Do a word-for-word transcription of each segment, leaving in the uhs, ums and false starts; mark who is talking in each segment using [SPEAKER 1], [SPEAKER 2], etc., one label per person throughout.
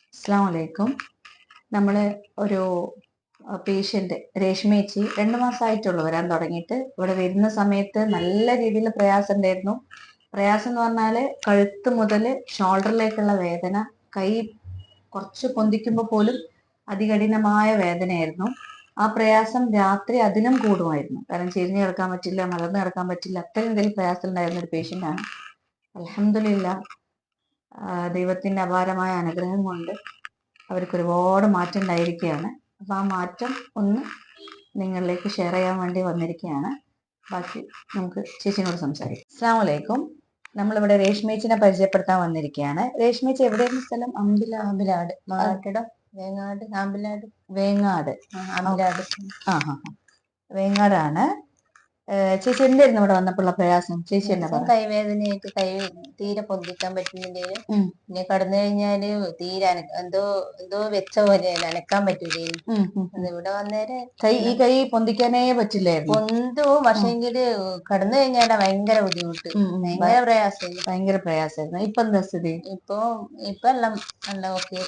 [SPEAKER 1] അസ്സലാമു അലൈക്കും. നമ്മൾ ഒരു പേഷ്യന്റ് രേഷ്മേച്ചി രണ്ട് മാസമായിട്ടുള്ളൂ വരാൻ തുടങ്ങിയിട്ട്. ഇവിടെ വരുന്ന സമയത്ത് നല്ല രീതിയിൽ പ്രയാസം ഉണ്ടായിരുന്നു. പ്രയാസം എന്ന് പറഞ്ഞാല് കഴുത്ത് മുതൽ ഷോൾഡറിലേക്കുള്ള വേദന, കൈ കുറച്ച് പൊന്തിക്കുമ്പോൾ പോലും അതികഠിനമായ വേദനയായിരുന്നു. ആ പ്രയാസം രാത്രി അതിനും കൂടുമായിരുന്നു. കാരണം ചെരിഞ്ഞ് കിടക്കാൻ പറ്റില്ല, മലർന്ന് കിടക്കാൻ പറ്റില്ല, അത്രയും എന്തെങ്കിലും പ്രയാസം ഉണ്ടായിരുന്ന ഒരു പേഷ്യൻ്റാണ്. അൽഹംദുലില്ലാ, ദൈവത്തിന്റെ അപാരമായ അനുഗ്രഹം കൊണ്ട് അവർക്ക് ഒരുപാട് മാറ്റം ഉണ്ടായിരിക്കുകയാണ്. അപ്പൊ ആ മാറ്റം ഒന്ന് നിങ്ങളിലേക്ക് ഷെയർ ചെയ്യാൻ വേണ്ടി വന്നിരിക്കുകയാണ്. ബാക്കി നമുക്ക് ചേച്ചിനോട് സംസാരിക്കാം. അസ്സലാമു അലൈക്കും. നമ്മളിവിടെ രേഷ്മേച്ചിനെ പരിചയപ്പെടുത്താൻ വന്നിരിക്കുകയാണ്. രേഷ്മേച്ചി എവിടെയാണ് സ്ഥലം? അമ്പില
[SPEAKER 2] ആമ്പിലാട് മാട്ടിടം വേങ്ങാട് ആമ്പിലാട്
[SPEAKER 1] വേങ്ങാട്
[SPEAKER 2] ആമ്പിലാട്
[SPEAKER 1] ആ ഹാ വേങ്ങാടാണ്. ചേച്ചി എന്തായിരുന്നു ഇവിടെ വന്നപ്പോഴുള്ള പ്രയാസം? ചേച്ചി എന്നാ പറഞ്ഞു?
[SPEAKER 2] കൈവേദനയായിട്ട് കൈ തീരെ പൊന്തിക്കാൻ പറ്റുന്നില്ലേലും പിന്നെ കടന്നു കഴിഞ്ഞാല് തീരെ അന- എന്തോ എന്തോ വെച്ച പോലെ അനക്കാൻ പറ്റൂലേനും. ഇവിടെ വന്നേരെ
[SPEAKER 1] കൈ ഈ കൈ പൊന്തിക്കാനേ പറ്റില്ലായിരുന്നു.
[SPEAKER 2] പൊന്തു പക്ഷെങ്കില് കടന്നു കഴിഞ്ഞാലാ ഭയങ്കര ബുദ്ധിമുട്ട്, ഭയങ്കര പ്രയാസം,
[SPEAKER 1] ഭയങ്കര പ്രയാസമായിരുന്നു. ഇപ്പൊ എന്താ സ്ഥിതി?
[SPEAKER 2] ഇപ്പൊ ഇപ്പൊ എല്ലാം നല്ല ഓക്കെ.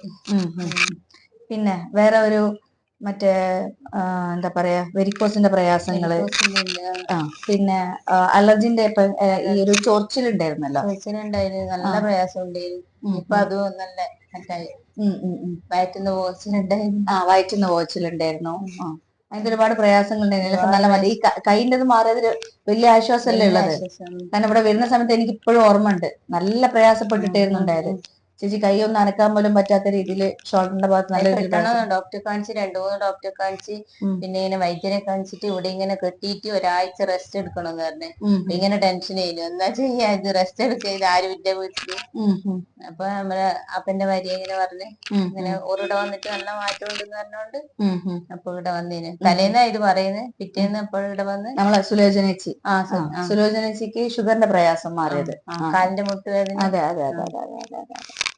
[SPEAKER 1] പിന്നെ വേറെ ഒരു മറ്റേ എന്താ പറയാ വെരിക്കോസിന്റെ പ്രയാസങ്ങള്, ആ പിന്നെ അലർജിന്റെ ഈ ഒരു ചൊറിച്ചിലുണ്ടായിരുന്നല്ലോ,
[SPEAKER 2] ചൊറിച്ചിലുണ്ടായിരുന്നു, നല്ല പ്രയാസം ഉണ്ടായിരുന്നു. ഇപ്പൊ അതും നല്ല മറ്റായി. വയറ്റുന്ന പോച്ചിലുണ്ടായിരുന്നു.
[SPEAKER 1] ആ വയറ്റുന്ന പോച്ചിലുണ്ടായിരുന്നു. ആ അതിന്റെ ഒരുപാട് പ്രയാസങ്ങൾ ഉണ്ടായിരുന്നു. നല്ല മതി. ഈ കൈൻ്റെ മാറിയതിൽ വലിയ ആശ്വാസമല്ലേ ഉള്ളത്? കാരണം ഇവിടെ വരുന്ന സമയത്ത് എനിക്ക് ഇപ്പോഴും ഓർമ്മ ഉണ്ട്, നല്ല പ്രയാസപ്പെട്ടിട്ടായിരുന്നു ഉണ്ടായത്. ചേച്ചി കൈ ഒന്ന് അനക്കാൻ പോലും പറ്റാത്ത രീതിയിൽ ഷോൾഡറിന്റെ ഭാഗത്ത് നല്ല രീതിയിൽ
[SPEAKER 2] ഡോക്ടറെ കാണിച്ച് രണ്ടു മൂന്ന് ഡോക്ടറെ കാണിച്ച് പിന്നെ ഇങ്ങനെ വൈദ്യരെ കാണിച്ചിട്ട് ഇവിടെ ഇങ്ങനെ കെട്ടിയിട്ട് ഒരാഴ്ച റെസ്റ്റ് എടുക്കണമെന്ന് പറഞ്ഞു. ഇങ്ങനെ ടെൻഷൻ ചെയ്യുന്നു, എന്നാ ചെയ്യാ, ഇത് റെസ്റ്റ് എടുക്കുക, ഇത് ആരും ഇല്ല വീട്ടില്. അപ്പൊ നമ്മളെ അപ്പന്റെ ഭാര്യ ഇങ്ങനെ പറഞ്ഞ് ഇങ്ങനെ ഒരിവിടെ വന്നിട്ട് നല്ല മാറ്റം ഉണ്ടെന്ന് പറഞ്ഞോണ്ട് അപ്പൊ ഇവിടെ വന്നേന്. തലേന്നാ ഇത് പറയുന്നത്, പിറ്റേന്ന് അപ്പോൾ ഇവിടെ വന്ന്
[SPEAKER 1] നമ്മളെ സുലോചനേച്ചി ആ സുലോചനേച്ചിക്ക് ഷുഗറിന്റെ പ്രയാസം മാറിയത്,
[SPEAKER 2] കാലിന്റെ മുട്ടുവേദന.
[SPEAKER 1] അതെ അതെ അതെ അതെ അതെ അതെ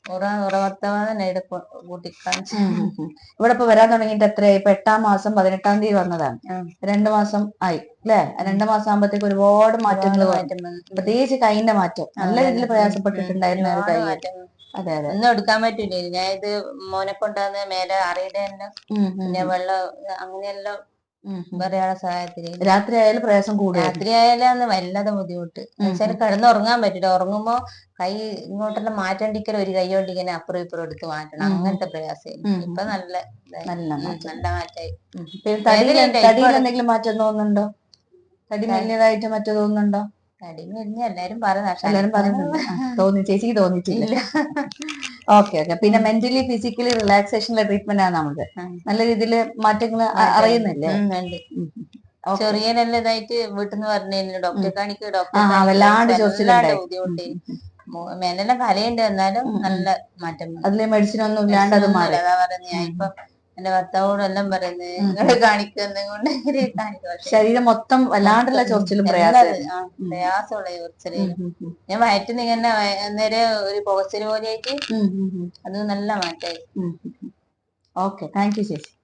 [SPEAKER 1] ഇവിടെ ഇപ്പൊ വരാൻ തുടങ്ങിയിട്ട് എത്രയായി? ഇപ്പൊ എട്ടാം മാസം പതിനെട്ടാം തീയതി വന്നതാണ്. രണ്ടു മാസം ആയി അല്ലെ? രണ്ടു മാസം ആകുമ്പോഴത്തേക്ക് ഒരുപാട് മാറ്റങ്ങൾ വന്നു. പ്രത്യേകിച്ച് കൈന്റെ മാറ്റം നല്ല രീതിയിൽ പ്രയാസപ്പെട്ടിട്ടുണ്ടായിരുന്ന ഒരു കൈ. അതെ അതെ,
[SPEAKER 2] ഒന്നും എടുക്കാൻ പറ്റൂലേ. ഞാൻ ഇത് മോനെ കൊണ്ടുവന്ന് മേലെ അറിയുടെ പിന്നെ വെള്ളം അങ്ങനെയെല്ലാം ഒരാളെ സഹായത്തിന്
[SPEAKER 1] രാത്രി ആയാലും പ്രയാസം കൂടും.
[SPEAKER 2] രാത്രി ആയാലും വല്ലാതെ ബുദ്ധിമുട്ട് വെച്ചാൽ കിടന്നുറങ്ങാൻ പറ്റില്ല. ഉറങ്ങുമ്പോ കൈ ഇങ്ങോട്ടെല്ലാം മാറ്റണ്ടിക്കൽ ഒരു കൈ കൊണ്ടിങ്ങനെ അപ്പുറം ഇപ്പുറം എടുത്ത് മാറ്റണം, അങ്ങനത്തെ പ്രയാസം. ഇപ്പൊ നല്ല
[SPEAKER 1] നല്ല
[SPEAKER 2] നല്ല മാറ്റായി.
[SPEAKER 1] തടിയിൽ എന്തെങ്കിലും മാറ്റം തോന്നുന്നുണ്ടോ? തടി മെല്ലിയതായിട്ട് മറ്റോ തോന്നുന്നുണ്ടോ?
[SPEAKER 2] തടി മെലിഞ്ഞ എല്ലാരും പറയുന്ന
[SPEAKER 1] എല്ലാരും പറയുന്നുണ്ട്. തോന്നി, ചേച്ചിക്ക് തോന്നിയിട്ടില്ല. Okay okay. പിന്നെ മെന്റലി ഫിസിക്കലി റിലാക്സേഷനുള്ള ട്രീറ്റ്മെന്റ് ആണ് നമുക്ക്. നല്ല രീതിയിൽ മാറ്റങ്ങൾ അറിയുന്നില്ലേ?
[SPEAKER 2] ചെറിയ നല്ല ഇതായിട്ട് വീട്ടിൽ നിന്ന് പറഞ്ഞു ഡോക്ടറെ കാണിക്കുക, ഡോക്ടറെ
[SPEAKER 1] വല്ലാണ്ട്
[SPEAKER 2] വല്ലാണ്ട് ബുദ്ധിമുട്ട്. മേലെല്ലാം കലയുണ്ട്, എന്നാലും നല്ല മാറ്റം.
[SPEAKER 1] അതിലെ മെഡിസിൻ ഒന്നും ഇല്ലാണ്ട് അത് മാറി.
[SPEAKER 2] അതാ പറയുന്നത്. ഞാൻ ഇപ്പൊ എന്റെ ഭർത്താവോടും എല്ലാം പറയുന്നത് നിങ്ങള് കാണിക്കുന്നുകൊണ്ട്
[SPEAKER 1] ശരീരം മൊത്തം വല്ലാണ്ടുള്ള ചൊറിച്ചിലും
[SPEAKER 2] പ്രയാസമുള്ള ചൊറിച്ചിലും. ഞാൻ വയറ്റിന്ന് ഇങ്ങനെ അന്നേരം ഒരു പുകച്ചില് പോലെ ആയിട്ട് അത് നല്ല മാറ്റായി.
[SPEAKER 1] ഓക്കെ, താങ്ക് യു ചേച്ചി.